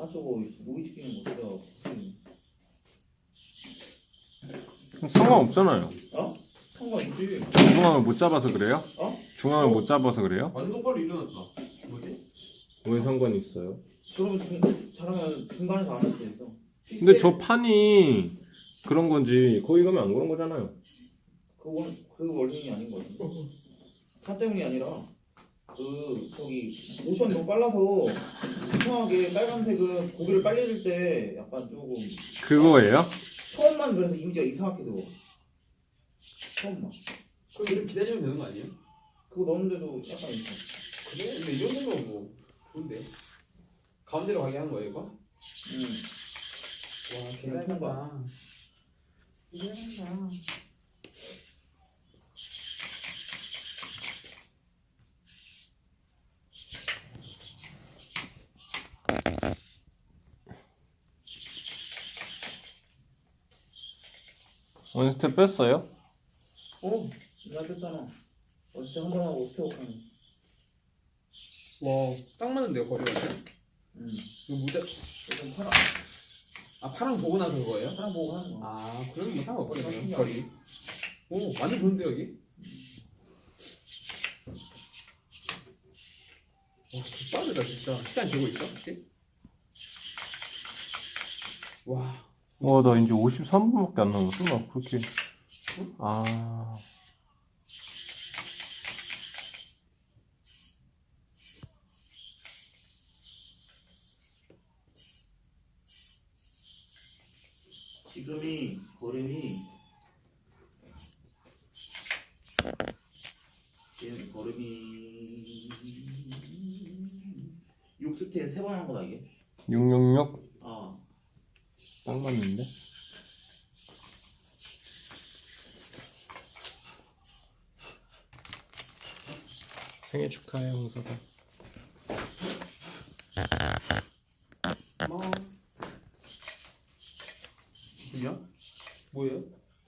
저거 노이즈 끼는 거 진짜. 상관없잖아요. 어? 상관있지. 중앙을 못 잡아서 그래요? 어? 중앙을 못 잡아서 그래요? 완전 똑바로 일어났다. 뭐지? 왜 상관이 있어요? 그러면 잘하면 중간에서 안 할 수도 있어. 근데 저 판이 그런 건지 거기 가면 안 그런 거잖아요. 그 원인이 아닌 거 같은데. 차 때문이 아니라 저기 모션이 너무 빨라서 이상하게 빨간색은 고기를 빨리 줄 때 약간 조금 그거예요? 처음만 그래서 이미지가 이상하게 들어. 처음만. 그럼 이렇게 기다리면 되는 거 아니에요? 그거 넣는데도 약간 있어. 그래? 근데 이 정도면 뭐 좋은데. 가운데로 가게 하는 거예요, 이거? 와, 통과. 대단하다. 원스텝 뺐어요? 나 뺐잖아. 어쨌든 한번 하고 스테이크 하는. 와, 딱 맞는데요, 거리가? 이거 무대. 좀 팔아. 아, 파랑 보고 나서 그거예요? 사람 보고 하는 거. 아, 그러면 뭐 상관없겠네요, 신기하다. 거리. 오, 완전 좋은데, 여기? 와, 빠르다, 진짜. 시간 재고 있어, 혹시? 와. 나 이제 53분밖에 안 남았어. 나 그렇게. 아. 지금이 걸음이 얘는 걸음이 6스텝 3번 한 거다 이게. 666? 아 딱 맞는데? 생일 축하해, 홍서가. 고마워. 뭐냐? 뭐예요?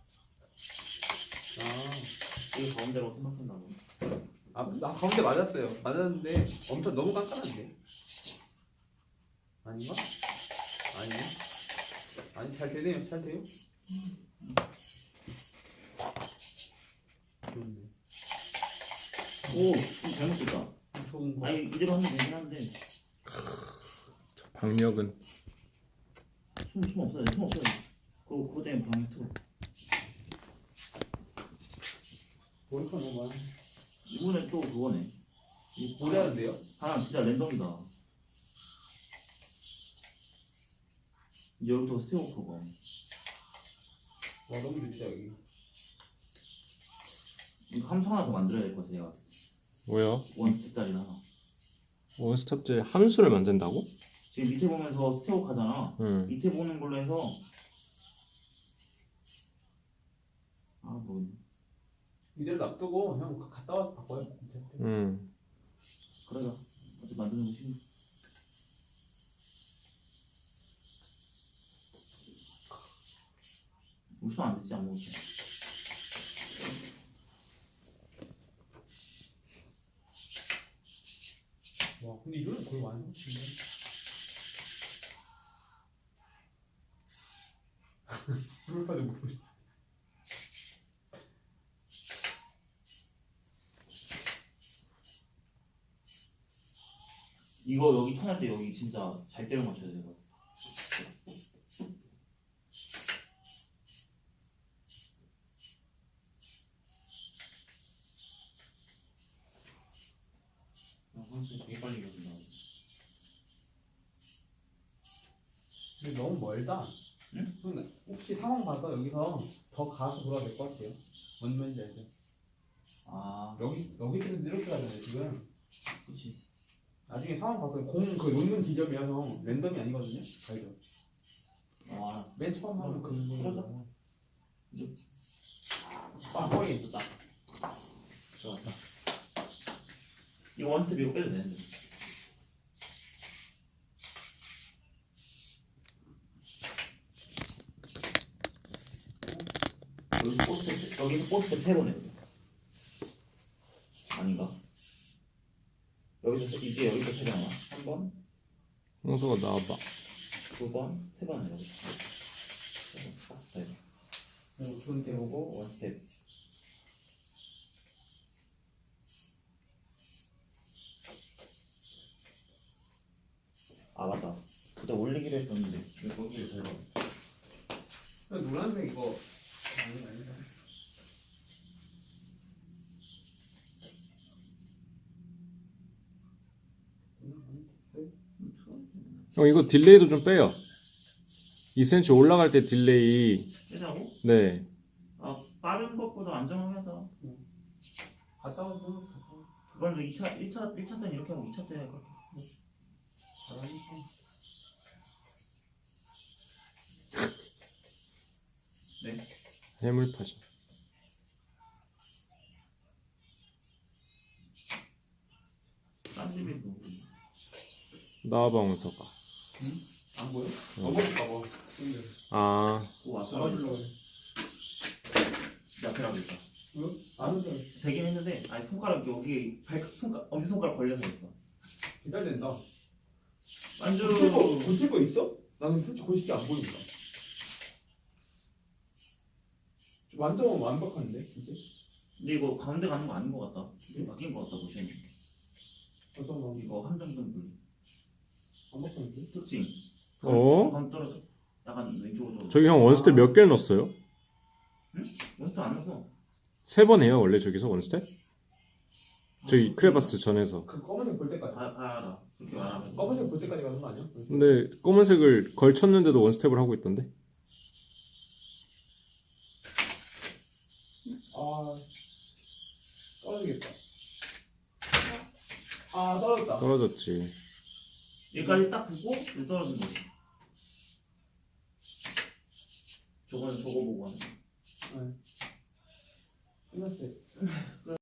이거 가운데라고 생각한다고. 나 가운데 맞았어요. 맞았는데 엄청 너무 깐깐한데? 아닌가? 아니네. 아니, 잘 되네요. 잘 돼요. 좋네. 오, 좀 잘못 썼다. 좋은 거. 아니 이대로 하면 되긴 한데 저 박력은. 숨 없어야 돼. 숨 없어야 돼. 그거 때문에 방에 틀어. 머리카 너무 많아. 이번에 또 그거네. 뭐라는데요? 하나 진짜 랜덤이다. 여기부터 스테이크가. 와, 너무 좋다, 여기. 이거 함수 하나 더 만들어야 될 것 같아 내가. 뭐야? 원스텝짜리 하나. 원스텝째 함수를 만든다고? 지금 밑에 보면서 스테이크 하잖아. 응. 밑에 보는 걸로 해서 뭐 이대로 놔두고 형 갔다 와서 바꿔요. 응. 그러자. 어차피 만드는 거 쉬워. 우선 안 됐지 아무것도. 와, 근데 이거는 거의 완전 같은데. 불파도 못 보시. 이거 여기 턴할 때 여기 진짜 잘 때려 맞춰야 돼. 이거. 항상 되게 빨리 이겨진다. 근데 너무 멀다. 응? 근데 혹시 상황 봐서 여기서 더 가서 돌아야 될 것 같아요. 뭔 말인지 알죠? 아, 여기 때문에 이렇게 가잖아요 지금. 그렇지. 나중에 상황 봐서 공 그 놓는 지점이야 형. 랜덤이 아니거든요. 알죠? 아, 맨 처음 하면 그 그러자. 거의 있다. 좋았다. 이거 원스텝 이거 빼도 되는데. 여기서 포스트 세로네. 아닌가? 여기서 이제 여기서 세로나? 한 번? 홍서가 나와봐. 두 번, 세 번 해보자. 스텝. 좋은 데 해보고 원 스텝. 아 맞다. 그때 올리기로 했었는데 이거 거기를 잘 봐. 노란색 이거 아니다. 형 이거 딜레이도 좀 빼요. 2cm 올라갈 때 딜레이. 빼자고? 네. 아 빠른 것보다 안정하게 하자. 갔다 오고 그건 1차 때는 이렇게 하고 2차 때는 그렇게. 잘하니까. 네. 해물파전. 딴 집이 뭐. 나와봐 원서가. 안 보여? 먹어볼까 봐. 아 오 왔어. 나와주려고 해. 야채라고 있다. 응? 안 오잖아. 되긴 했는데 아니 손가락 여기 엄지 손가락 걸려서 있어. 기다린다. 완전 고칠 거 있어? 나는 솔직히 고칠 게 안 보인다. 완전 완벽한데 이제? 근데 이거 가운데 가는 거 아닌 것 같다. 이게 바뀐 것 같다 보시면. 어떤 거? 이거 함정선 분리. 완벽한데? 특징. 어? 감 떨어져. 약간 왼쪽으로. 저기 형 원스텝 몇 개를 넣었어요? 원스도 안 넣어서. 3번 해요 원래 저기서 원스텝? 저기 크레바스 전에서. 그 검은색 볼 때까지. 알아. 그렇게 말하면. 검은색 볼 때까지 가는 거 아니야? 근데 검은색을 걸쳤는데도 원스텝을 하고 있던데? 아 떨어지겠다. 아 떨어졌다. 떨어졌지. 여기까지 딱 보고 여기 떨어진 거지. 저거는 저거 보고 하는 거. 끝났어요.